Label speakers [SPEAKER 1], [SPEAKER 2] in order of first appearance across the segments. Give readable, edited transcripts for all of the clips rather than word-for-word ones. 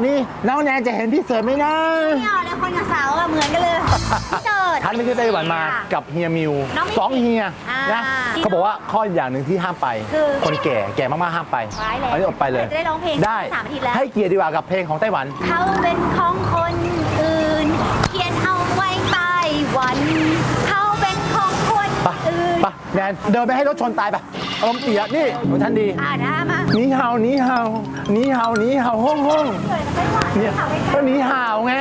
[SPEAKER 1] นี่น้องแนนจะเห็นพี่เสิร์ชไหมนะ
[SPEAKER 2] ไม่เอาแล้วคนกับสาวอะเหมือนกันเลยพี่เสิร์ช
[SPEAKER 1] ฉันไปที่ไต้หวันมากับเฮียมิว2เฮียนะเขาบอกว่าข้ออย่างหนึ่งที่ห้ามไปคนแก่มากๆห้ามไปอันนี้อดไปเลย
[SPEAKER 2] จะได้ร้องเพลง
[SPEAKER 1] ได้
[SPEAKER 2] 3 อาทิตย์แล้ว
[SPEAKER 1] ให้เกียรติดีกว่ากับเพลงของไต้หวัน
[SPEAKER 2] เขาเป็นของคนอื่นเขียนเอาไว้ใต้หวันเขาเป็นของคนอื่น
[SPEAKER 1] ไปแนนเดินไปให้รถชนตายไปอารมณ์เสียนี่ของท่านดี
[SPEAKER 2] นะมา
[SPEAKER 1] นี่เฮานี่เฮานี่เฮานี่เฮาห้องเนี่ยก็นี่เฮาไง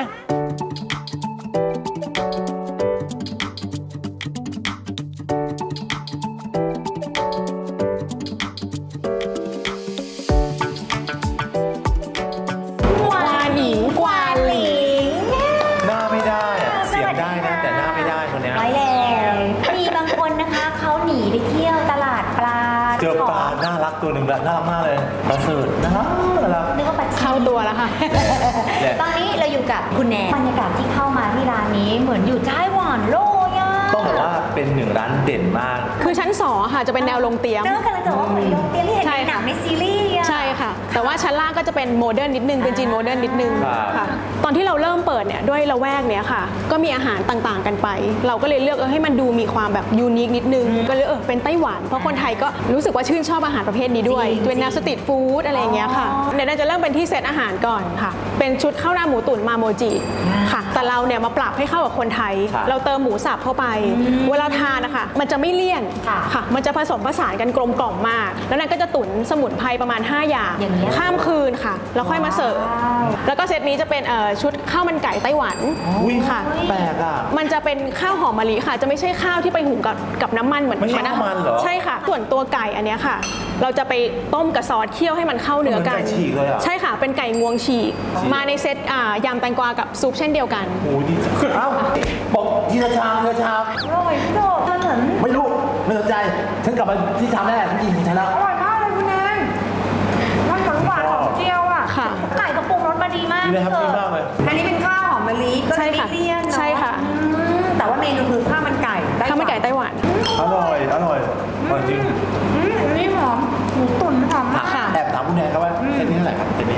[SPEAKER 1] ตัวหนึ่งแบบน่ารักมากเลยประเสริฐน่ารัก
[SPEAKER 2] นึกว่าปัด
[SPEAKER 3] เข้าตัวแล้วค่ะ
[SPEAKER 2] ตอนนี้เราอยู่กับคุณแนนบรรยากาศที่เข้ามาที่ร้านนี้เหมือนอยู่ไต้หวันเลยอ่ะ
[SPEAKER 1] ต้องบอกว่าเป็นหนึ่งร้านเด่นมาก
[SPEAKER 3] คือชั้น2ค่ะจะเป็นแนวลงเตียง
[SPEAKER 2] กำลังจะว่าเหมือนลงเตียงที่เห็นในหนังในซีรีส์
[SPEAKER 3] ใช่ค่ะแต่ว่าชั้นล่างก็จะเป็นโมเดิร์นนิดนึงเป็นจีนโมเดิร์นนิดนึงค่ะตอนที่เราเริ่มเปิดเนี่ยด้วยละแวกเนี้ยค่ะก็มีอาหารต่างๆกันไปเราก็เลยเลือกให้มันดูมีความแบบยูนิคนิดนึงก็เลยเป็นไต้หวันเพราะคนไทยก็รู้สึกว่าชื่นชอบอาหารประเภทนี้ด้วยเป็นแนวสตรีทฟู้ดอะไรอย่างเงี้ยค่ะเดี๋ยวเราจะเริ่มเป็นที่เซตอาหารก่อนค่ะเป็นชุดข้าวหน้าหมูตุ๋นมาโมจิค่ะแต่เราเนี่ยมาปรับให้เข้ากับคนไทยเราเติมหมูสับเข้าไปเวลาทานนะคะมันจะไม่เลี่ยนค่ะมันจะผสมผสานกันกลมกล่อมมากแล้วนั่นก็จะตุ๋นสมุนไพรประมาณ5อย่างข้ามคืนค่ะแล้วค่อยมาเสิร์ฟแล้วก็เซตนี้จะเป็นชุดข้าวมันไก่ไต้หวันค่ะ
[SPEAKER 1] แปลกอ่ะ
[SPEAKER 3] มันจะเป็นข้าวหอมมะลิค่ะจะไม่ใช่ข้าวที่ไปหุงกับน้ำมันเหมือน
[SPEAKER 1] ไม่ใช่น้ำมันเหรอ
[SPEAKER 3] ใช่ค่ะส่วนตัวไก่อันนี้ค่ะเราจะไปต้มกับซอสเคี่ยวให้มันเข้าเนื้อกันใช่ค่ะเป็นไก่งวงฉีกมาในเซตยำแตงกวากับซุปเช่นเดียวกัน
[SPEAKER 1] โอ้ดีเอ้าบอกทีละชามอ
[SPEAKER 2] ร่อยพี่โจมันเหมือน
[SPEAKER 1] ไม่รู้ไม่สนใจฉันกลับมาที่ชามแรกฉันกินของฉันแล้ว
[SPEAKER 2] อร่อยมากเลยคุณแนนมันหวานของเจียวอ่ะไก่กระปุกรสมาดีมาก
[SPEAKER 1] ดีเลยครับดีมากเลย
[SPEAKER 2] อันนี้เป็นข้าวหอมมะลิก็ไม่เลี่ยนเนาะ
[SPEAKER 3] ใช่ค่ะ
[SPEAKER 2] แต่ว่าเมนูคือข้าวมันไก่
[SPEAKER 3] ไต้หวัน
[SPEAKER 1] อร่อยจริง
[SPEAKER 2] อันนี้หอมหมูตุ๋นหอมมาก
[SPEAKER 1] แอบถามคุณแนนครับว่าเซตนี้เท่าไหร่ครับเซตนี้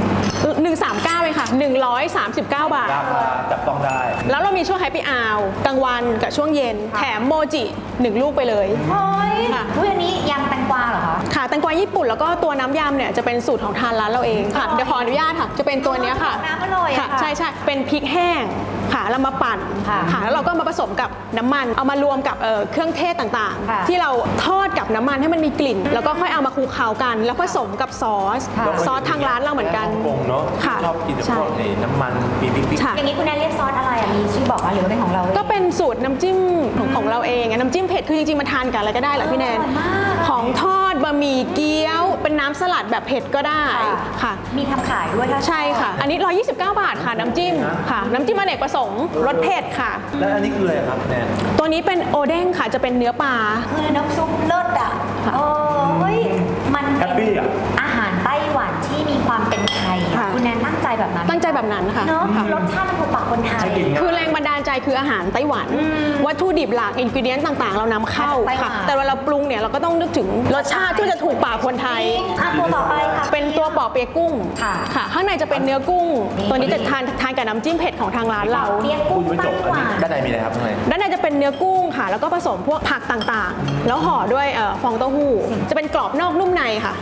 [SPEAKER 3] 139เลยค่ะ139 บาท
[SPEAKER 1] ราคาจับต้องได้
[SPEAKER 3] แล้วเรามีช่วงแฮปปี้อาวกลางวันกับช่วงเย็นแถมโมจิ1 ลูกไปเลย
[SPEAKER 2] เฮ้ยอันนี้ยำแตงกวาเหรอคะ
[SPEAKER 3] ค่ะแตงกวาญี่ปุ่นแล้วก็ตัวน้ำยำเนี่ยจะเป็นสูตรของทางร้านเราเองค่ะเดี๋ยวขออนุญาตค่ะจะเป็นตัวนี้ค่ะ
[SPEAKER 2] น้ำอร่อย
[SPEAKER 3] ค่ะใช่เป็นพริกแห้งค่ะเรามาปั่นค่ะแล้วเราก็มาผสมกับน้ำมันเอามารวมกับเครื่องเทศต่างๆที่เราทอดกับน้ำมันให้มันมีกลิ่นแล้วก็ค่อยเอามาคลุกเคล้ากันแล้วผสมกับซอสทางร้านเราเหมือนกัน
[SPEAKER 1] ค่ะชอบกินพวกน้ำมันปี๊บ
[SPEAKER 2] อย่างนี้คุณแนนเรียกซอสอะไรมีชื่อบอกหรือว่าเป็นของเรา
[SPEAKER 3] ก็เป็นสูตรน้ำจิ้มของเราเองน้ำจิ้มเผ็ดคือจริงๆมาทานกันอะไรก็ได้แหละพี่แนนของทอดบะหมี่เกี๊ยวเป็นน้ำสลัดแบบเผ็ดก็ได้ค่ะ
[SPEAKER 2] มีทำขายด้วย
[SPEAKER 3] ใช่ค่ะอันนี้129 บาทค่ะน้ำจิ้มค่ะน้ำจิ้มอเนกประสงค์รสเผ็ดค่ะ
[SPEAKER 1] แล้วอันนี้คืออะไรครับแนน
[SPEAKER 3] ตัวนี้เป็นโอเด้งค่ะจะเป็นเนื้อปลา
[SPEAKER 2] คือน้ำซุปเลิศอ่ะโอ้ยมัน
[SPEAKER 1] แฮปปี้อ่ะ
[SPEAKER 2] อาหารไต้หวันที่มีความเป็นไทยคุณแนนตั้งใจแบบนั้น
[SPEAKER 3] ค่ะ
[SPEAKER 2] เนาะรสชาติมันถูกปากคนไทย
[SPEAKER 3] คือแรงบันดาลใจคืออาหารไต้หวันวัตถุดิบหลักอินกิเดียนต่างๆเรานำเข้าค่ะแต่เวลาเราปรุงเนี่ยเราก็ต้องนึกถึงรสชาติที่จะถูกปากคนไทย
[SPEAKER 2] ตัวต่อไปค่ะ
[SPEAKER 3] เป็นตัวปอเปี๊ยะกุ้งค่ะข้างในจะเป็นเนื้อกุ้งตัวนี้จะทานกับน้ำจิ้มเผ็ดของทางร้านเรา
[SPEAKER 2] เปี๊ยะกุ้งไต้หวัน
[SPEAKER 1] ด้านในมีอะไรครับ
[SPEAKER 3] ด้านในจะเป็นเนื้อกุ้งค่ะแล้วก็ผสมพวกผักต่างๆแล้วห่อด้วยฟองเต้าหู้จะเป็นกรอบนอกนุ่มในค่ะ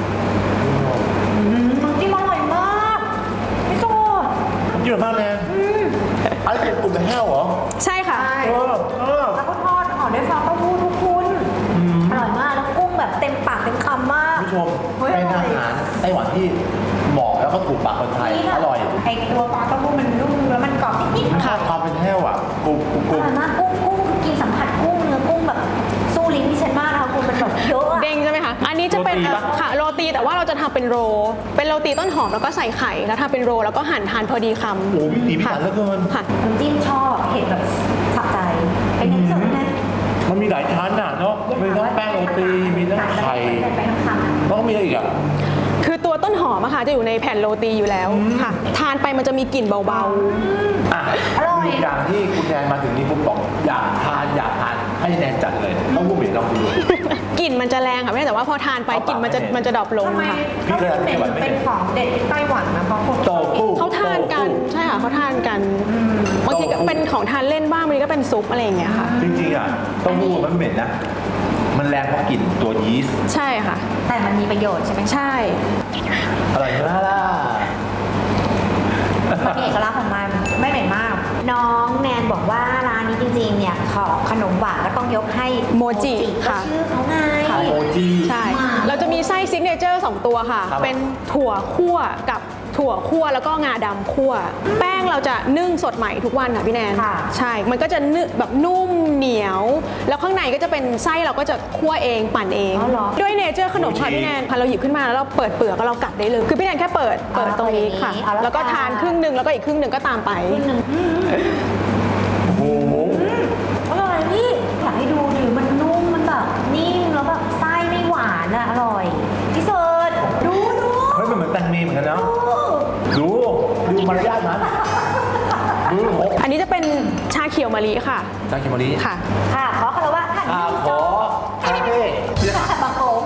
[SPEAKER 2] จิ้มอร่อยมากพี่โจ
[SPEAKER 1] เยอะมากเลยอะไรเป็นกลุ่มแห้วเหรอ
[SPEAKER 3] ใช่ค่ะ
[SPEAKER 2] แล้วก็ทอดห่อด้วยฟองเต้าหู้ทุกคุณอร่อยมากแล้วกุ้งแบบเต็มปากเต็มคำมาก
[SPEAKER 1] ผู้ชมเป็นอาหารไต้หวันที่เหมาะแล้วก็ถูกปากคนไทยอร่อย
[SPEAKER 2] ไอตัวฟองเต้าหู้มันนุ่มแล้วมันกรอบนิด
[SPEAKER 1] ๆค่ะความเป็นแห้วอ่ะกุ้ง
[SPEAKER 2] อร่อยมากกุ้งคือกินสัมผัสกุ้งเนื้อกุ้งแบบสู้ลิ้นที่ฉันมากนะคะคุณเป็นแบบเยอะ
[SPEAKER 3] เด้งใช่ไหมคะอันนี้จะเป็นค่ะโรตีแต่ว่าเราจะทำเป็นโรตีต้นหอมแล้วก็ใส่ไข่แล้วทำเป็นโรแล้วก็หั่นทานพอดีคำ
[SPEAKER 1] โอ้วิถีพิถันเหลือเกิน
[SPEAKER 3] ค่ะ
[SPEAKER 2] น้ำจิ้มชอบเห็นแบบสับใจเป็นยังไงไหม
[SPEAKER 1] มันมีหลายชั้นอ่ะเนาะมีทั้งแป้งโรตีมีทั้งไข่แล้วก็มีอะไรอีกอ่ะ
[SPEAKER 3] คือตัวต้นหอมอะค่ะจะอยู่ในแผ่นโรตีอยู่แล้วค่ะทานไปมันจะมีกลิ่นเบา
[SPEAKER 1] ๆมีอย่างที่คุณแนนมาถึงนี่ปุ๊บบอกอยากทานให้แนนจัดเลยต้องพูดเปลี่ยนลองดู
[SPEAKER 3] กลิ่นมันจะแรงค่ะแม่แต่ว่าพอทานไปกลิ่นมันจะดรอปลงค่ะ
[SPEAKER 1] พี่เคยทานไต้หวันไหม
[SPEAKER 2] เป็นของเด็ดที่ไต้หวันนะเพราะคน
[SPEAKER 1] โตฟู
[SPEAKER 3] เขาทานกันใช่ค่ะเขาทานกันบางทีก็เป็นของทานเล่นบ้างบางทีก็เป็นซุปอะไรอย่างเงี้ยค่ะ
[SPEAKER 1] จริงๆอ่ะเต้าหู้มันเหม็นนะ มันแรงเพราะกลิ่นตัวยีสต์
[SPEAKER 3] ใช่ค่ะ
[SPEAKER 2] แต่มันมีประโยชน์ใช่ไหม
[SPEAKER 3] ใช่
[SPEAKER 1] อร่อยมากล่ะ
[SPEAKER 2] มันเอกลักษณ์ของมันไม่เหม็นมาก น้องแนนบอกว่าร้านนี้จริงๆเนี่ยของขนมหวานก็ต้องยกให้
[SPEAKER 3] โมจิ
[SPEAKER 2] ก็
[SPEAKER 3] ค่ะ
[SPEAKER 2] ชื่อเขาไง
[SPEAKER 1] โมจิ
[SPEAKER 3] ใช่ เราจะมีไส้ซิกเนเจอร์2ตัวค่ะ
[SPEAKER 1] ครับ
[SPEAKER 3] เป็นถั่วคั่วกับถั่วคั่วแล้วก็งาดำคั่ว แป้งเราจะนึ่งสดใหม่ทุกวันค่ะพี่แนน
[SPEAKER 2] ค่ะ
[SPEAKER 3] ใช่ มันก็จะนึ่งแบบนุ่มเหนียว แล้วข้างในก็จะเป็นไส้เราก็จะคั่วเองปั่นเอง
[SPEAKER 2] อ๋อเหรอ
[SPEAKER 3] ด้วยเนเจอร์ขนมค่ะพี่แนนพอเราหยิบขึ้นมาแล้วเราเปิดเปลือกแล้วเรากัดได้เลย คือพี่แนนแค่เปิดตรงนี้ค่ะ
[SPEAKER 2] เอาแล้ว
[SPEAKER 3] แล้วก็ทานครึ่งหนึ่งแล้วก็อีกครึ่งหนึ่งก็ตามไป
[SPEAKER 1] โอ้โห
[SPEAKER 2] อร่อยพี่อยากให้ดูดิมันนุ่มมันแบบนิ่มแล้วแบบไส้ไม่หวานอะอร่อยพี่เสิร์ชดู
[SPEAKER 1] เฮ้ยมันเหมือนแตงเมเหมือนกันเนาะดูมารยาทมันดูโห
[SPEAKER 3] อันนี้จะเป็นชาเขียวมะลิค่ะ
[SPEAKER 1] จางคิมอรี
[SPEAKER 3] ค่ะ
[SPEAKER 2] ค่ะขอคารวะท่าน
[SPEAKER 1] ขอคาเฟ่
[SPEAKER 2] บางโคง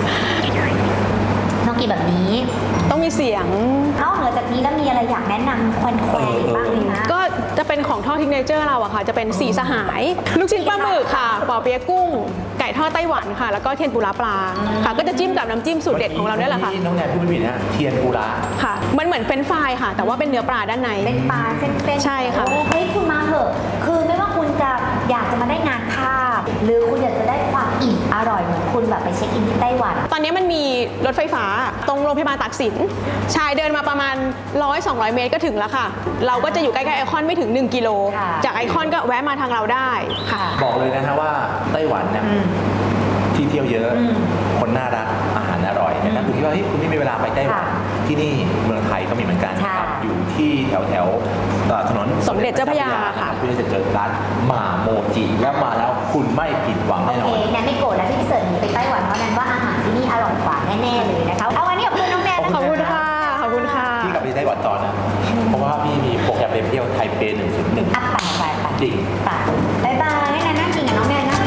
[SPEAKER 2] ต้องกินแบบนี้
[SPEAKER 3] ต้องมีเสียง
[SPEAKER 2] นอกเหนือจากนี้แล้วมีอะไรอยากแนะนำแควนๆอีกบ้างไหมคะ
[SPEAKER 3] ก็จะเป็นของทอดทิกเนเจอร์เราอะค่ะ จะเป็นสีสหาย ลูกชิ้นปลาหมึกค่ะปอเปี๊ยะกุ้ง ไก่ทอดไต้หวันค่ะ แล้วก็เทียนปูร้าปลาค่ะ ก็จะจิ้มกับน้ำจิ้มสูตรเด็ดของเราเนี่ยแหละค่ะ
[SPEAKER 1] น้องแนนพูดไม่ผิดนะเทียนปูระ
[SPEAKER 3] ค่ะ มันเหมือนเป็นไฟรายค่ะ แต่ว่าเป็นเนื้อปลาด้านใน
[SPEAKER 2] เป็นปลาเส้นๆ
[SPEAKER 3] ใช่ค่ะ
[SPEAKER 2] โอ้เฮ้ยคุณมาเถอะ คือไม่ว่าคุณจะอยากจะมาได้งานภาพ หรือคุณอยากจะได้ความอิ่มอร่อยเหมือนคุณแบบไปเช็คอินที่ไต้หวัน
[SPEAKER 3] ตอนนี้มันมีรถไฟฟ้าตรงโรงพยาบาลตากสิน ชายเดินมาประมาณ 100-200 เมตรก็ถึงแล้วค่ะ เราก็จะอยู่ใกล้ๆไอคอนไม่ถึง 1 กิโล
[SPEAKER 2] ค่ะ
[SPEAKER 3] จากไอคอนก็แวะมาทางเราได้ค่ะ
[SPEAKER 1] บอกเลยนะฮะว่าไต้หวันเนี่ยที่เที่ยวเยอะ คนน่ารักอาหารอร่อยแต่ถ้าคุณคิดว่าเฮ้ยคุณไม่มีเวลาไปไต้หวัน
[SPEAKER 2] ค่ะ
[SPEAKER 1] ที่นี่เมืองไทยก็มีเหมือนกัน
[SPEAKER 2] ค่ะ
[SPEAKER 1] ครับอยู่ที่แถวถนน
[SPEAKER 3] สมเด็จเจ้าพระยาค่ะ
[SPEAKER 1] คุณจะเจอร้านหม่าโมจิแล้วมาแล้วคุณไม่ผิดหวัง
[SPEAKER 2] โอ
[SPEAKER 1] แน่น
[SPEAKER 2] เค
[SPEAKER 1] อน
[SPEAKER 2] แนนไม่โกรธแล้วที่พี่เสิร์ชหนีไปไต้หวันเพราะแนนว่าอาหารที่นี่อร่อยกว่าแน่ๆเลยนะคะ เอาวันนี้ขอบคุณน้องแนนนะ
[SPEAKER 3] ขอบคุณค่ะ ขอบคุณค่ะ
[SPEAKER 1] พี่กลับไปไต้หวันต่อนะ เพราะว่าพี่มีโปรแกรมไปเที่ยวไทเป101
[SPEAKER 2] อ่ะไป
[SPEAKER 1] จริง
[SPEAKER 2] บ๊ายบายให้แนนนั่งกินกับน้องแนนนะ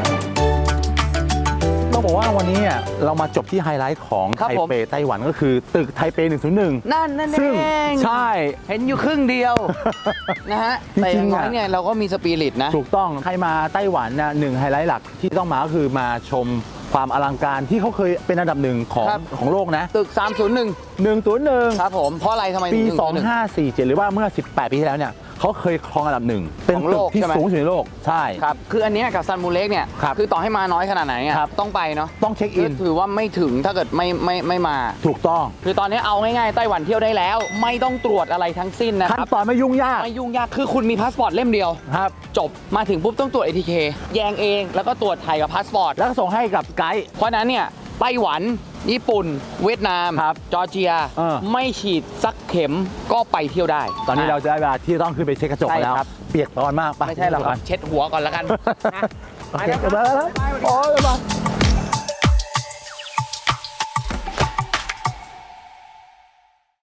[SPEAKER 1] ต้องบอกว่าวันนี้เนี่ยเรามาจบที่ไฮไลท์ของ
[SPEAKER 4] ครับ
[SPEAKER 1] ไท
[SPEAKER 4] ผม
[SPEAKER 1] เปไต้หวันก็คือตึกไทเป101
[SPEAKER 4] นั่นเ
[SPEAKER 1] ซึ่ง
[SPEAKER 4] อง
[SPEAKER 1] ใช่
[SPEAKER 4] เห็นอยู่ครึ่งเดียว นะฮะ แต่อย่างน้อยเนี่ยเราก็มีสปิริตนะ
[SPEAKER 1] ถูกต้องใครมาไต้หวันนะหนึ่งไฮไลท์หลักที่ต้องมาก็คือมาชมความอลังการที่เขาเคยเป็นอันดับหนึ่งของ
[SPEAKER 4] ครับ
[SPEAKER 1] ของโลกนะ
[SPEAKER 4] ตึก 301
[SPEAKER 1] 101
[SPEAKER 4] ครับผม เพราะอะไรทำไม
[SPEAKER 1] ปี
[SPEAKER 4] ถึง101
[SPEAKER 1] 2547 หรือว่าเมื่อ 18 ปีที่แล้วเนี่ยเขาเคยครองอันดับหนึ่งเป็น
[SPEAKER 4] ของ
[SPEAKER 1] ตึ
[SPEAKER 4] โล
[SPEAKER 1] ก
[SPEAKER 4] ก
[SPEAKER 1] ที่
[SPEAKER 4] ใช่ไหม
[SPEAKER 1] สูงสุดในโลกใช่
[SPEAKER 4] ครับ คืออันเนี้ยกับซันมูเล็กเนี่ย
[SPEAKER 1] ครับ
[SPEAKER 4] อต่อให้มาน้อยขนาดไหนอะ
[SPEAKER 1] ครับ
[SPEAKER 4] ต้องไปเนาะ
[SPEAKER 1] ต้องเช็คอิน
[SPEAKER 4] ถือว่าไม่ถึงถ้าเกิดไม่มา
[SPEAKER 1] ถูกต้อง
[SPEAKER 4] คือตอนนี้เอาง่ายๆไต้หวันเที่ยวได้แล้ว ไม่ต้องตรวจอะไรทั้งสิ้นนะค
[SPEAKER 1] ขั้น
[SPEAKER 4] รับ
[SPEAKER 1] ตอนไม่ยุ่งยาก
[SPEAKER 4] ไม่ยุ่งยาก คือคุณมีพาสปอร์ตเล่มเดียว
[SPEAKER 1] ครับ
[SPEAKER 4] จบ มาถึงปุ๊บต้องตรวจ ATK แยงเอง แล้วก็ตรวจถ่ายกับพาสปอร์ต
[SPEAKER 1] แล้วก็ส่งให้กับไกด์
[SPEAKER 4] เพราะฉะนั้นเนี่ยไต้หวัน ญี่ปุ่น เวียดนาม
[SPEAKER 1] ครับ
[SPEAKER 4] จอร์เจีย ไม่ฉีดสักเข็มก็ไปเที่ยวได้
[SPEAKER 1] ตอนนี้เราจะได้เวลาที่ต้องขึ้นไปเช็คกระจกกันแล้ว
[SPEAKER 4] ใช่ครับ
[SPEAKER 1] เปียกปอนมากป
[SPEAKER 4] ไม่ใช่หรอกครับเช็ดหัวก่อนแล้วกัน
[SPEAKER 1] โอเคไปแล้วโอ้ยไป